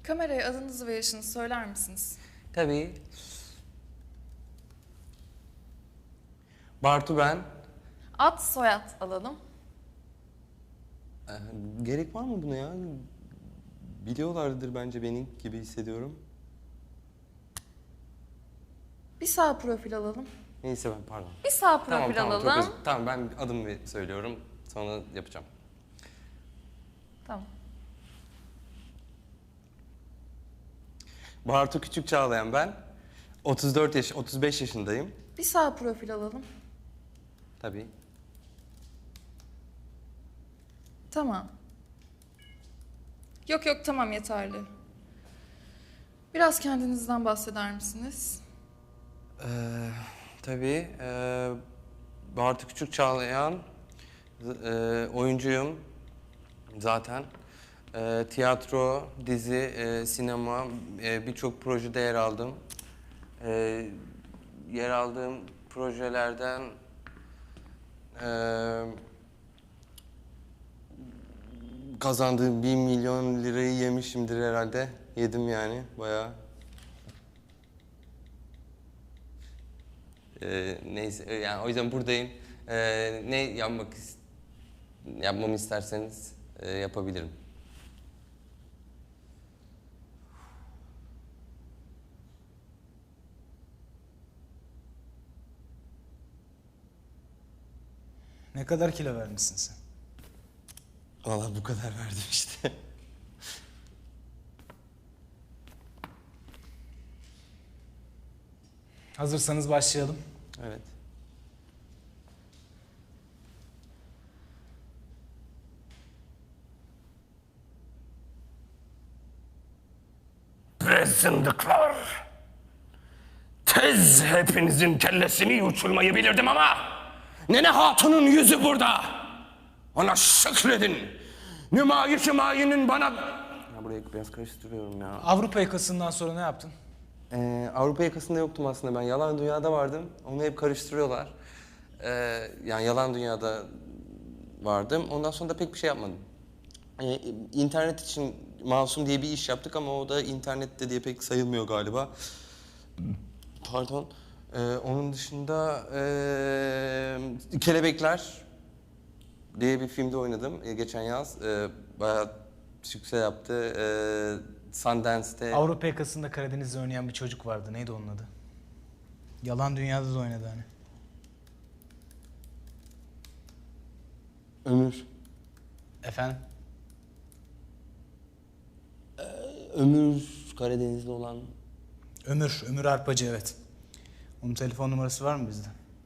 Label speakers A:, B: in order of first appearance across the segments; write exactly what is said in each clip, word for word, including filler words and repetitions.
A: Kameraya adınızı ve yaşınızı söyler misiniz?
B: Tabii. Bartu ben.
A: Ad, soyad alalım.
B: Ee, gerek var mı buna ya? Biliyorlardır bence beni gibi hissediyorum.
A: Bir sağ profil alalım.
B: Neyse ben pardon.
A: Bir sağ profil
B: Tamam tamam
A: alalım.
B: çok özür. Tamam ben adımı söylüyorum. Sonra yapacağım.
A: Tamam.
B: Bartu Küçük Çağlayan ben. otuz dört yaş, otuz beş yaşındayım.
A: Bir sağ profil alalım.
B: Tabii.
A: Tamam. Yok yok tamam yeterli. Biraz kendinizden bahseder misiniz?
B: Ee, tabii. Ee, Bartu Küçük Çağlayan. E, oyuncuyum zaten. E, tiyatro, dizi, e, sinema, e, birçok projede yer aldım. E, yer aldığım projelerden e, kazandığım bir milyon lirayı yemişimdir herhalde. Yedim yani bayağı. E, neyse yani o yüzden buradayım. E, ne yapmak ist yapmamı isterseniz e, yapabilirim.
C: Ne kadar kilo vermişsin sen?
B: Vallahi bu kadar verdim işte.
C: Hazırsanız başlayalım.
B: Evet.
D: Zındıklar! Tez hepinizin kellesini uçurmayı bilirdim ama Nene Hatun'un yüzü burada. Ona şükredin. Nümayiş-i mayinin bana...
B: Ya burayı biraz karıştırıyorum ya.
C: Avrupa yakasından sonra ne yaptın?
B: Ee, Avrupa yakasında yoktum aslında ben. Yalan Dünya'da vardım. Onu hep karıştırıyorlar. Ee, yani Yalan Dünya'da vardım. Ondan sonra da pek bir şey yapmadım. Ee, internet için Masum diye bir iş yaptık ama o da internette diye pek sayılmıyor galiba. Pardon. Ee, onun dışında ee, Kelebekler diye bir filmde oynadım ee, geçen yaz. Ee, bayağı sükse yaptı. Ee, Sundance'te...
C: Avrupa yakasında Karadeniz'de oynayan bir çocuk vardı. Neydi onun adı? Yalan Dünya'da da oynadı hani.
B: Ömür.
C: Efendim?
B: Ömür Karadeniz'de olan...
C: Ömür, Ömür Arpacı evet. Onun telefon numarası var mı bizde?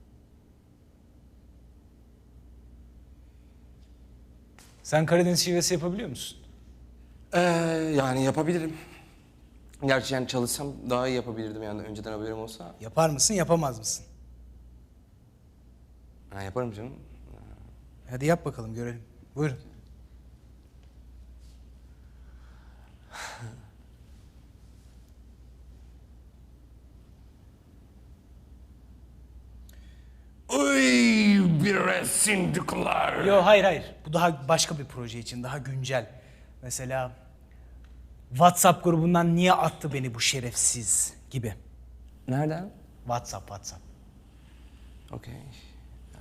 C: Sen Karadeniz şivesi yapabiliyor musun?
B: Ee, yani yapabilirim. Gerçi yani çalışsam daha iyi yapabilirdim yani önceden haberim olsa.
C: Yapar mısın, yapamaz mısın?
B: Ha, yaparım canım.
C: Hadi yap bakalım, görelim. Buyurun.
D: Uy bre zındıklar!
C: Yo hayır hayır. Bu daha başka bir proje için, daha güncel. Mesela WhatsApp grubundan niye attı beni bu şerefsiz gibi.
B: Nereden?
C: WhatsApp, WhatsApp.
B: Okey. Ee,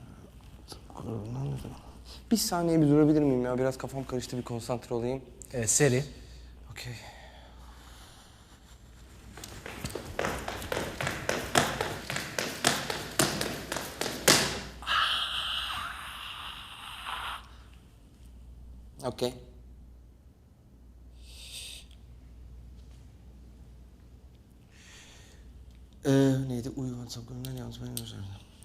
B: Bir saniye bir durabilir miyim ya? Biraz kafam karıştı, bir konsantre olayım.
C: Evet, seri.
B: Okey. Okey. Ee, neydi? Uyu WhatsApp grubundan yalnız benim üzerinde.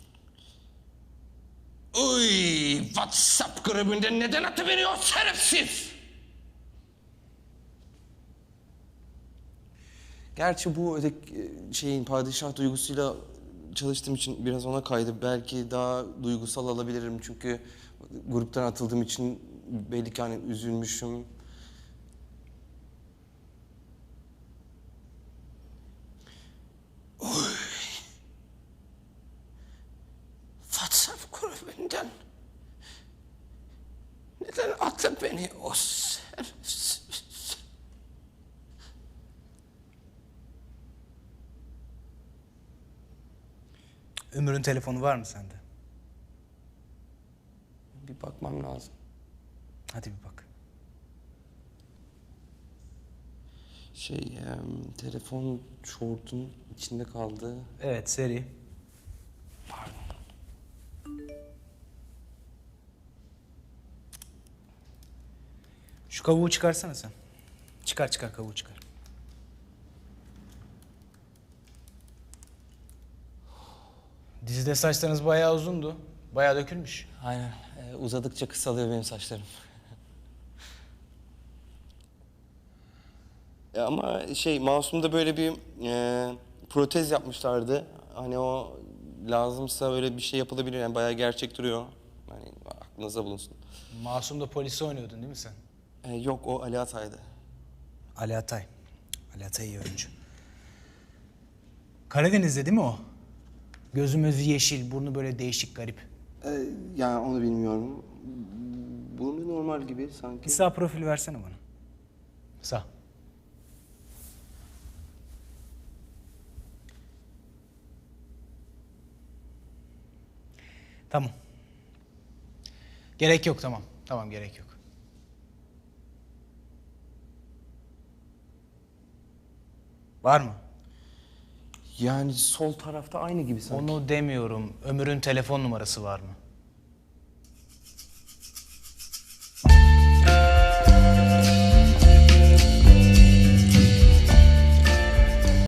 D: Uy WhatsApp grubunda neden atıveriyor şerefsiz?
B: Gerçi bu öteki şeyin padişah duygusuyla çalıştığım için biraz ona kaydı. Belki daha duygusal alabilirim çünkü gruptan atıldığım için belli ki hani üzülmüşüm.
D: WhatsApp grubundan neden attı beni o şerefsiz?
C: Ömür'ün telefonu var mı sende?
B: Bir bakmam lazım.
C: Hadi bir bak.
B: Şey, em, telefon şortun içinde kaldı.
C: Evet, seri.
B: Pardon.
C: Şu kavuğu çıkarsana sen. Çıkar çıkar kavuğu çıkar. Dizide saçlarınız bayağı uzundu. Bayağı dökülmüş.
B: Aynen. Ee, uzadıkça kısalıyor benim saçlarım. Ya ama şey, Masum'da böyle bir e, protez yapmışlardı. Hani o lazımsa öyle bir şey yapılabilir. Yani bayağı gerçek duruyor. Hani aklınıza bulunsun.
C: Masum'da polisi oynuyordun değil mi sen?
B: Ee, yok, o Ali Atay'dı.
C: Ali Atay. Ali Atay iyi oyuncu. Karadeniz'de değil mi o? Gözü mözü yeşil, burnu böyle değişik garip.
B: Ee, yani onu bilmiyorum. Burnu normal gibi sanki.
C: Bir sağ profil versene bana. Sağ. Tamam. Gerek yok, tamam. Tamam, gerek yok. Var mı?
B: Yani sol tarafta aynı gibi sanki.
C: Onu demiyorum. Ömür'ün telefon numarası var mı?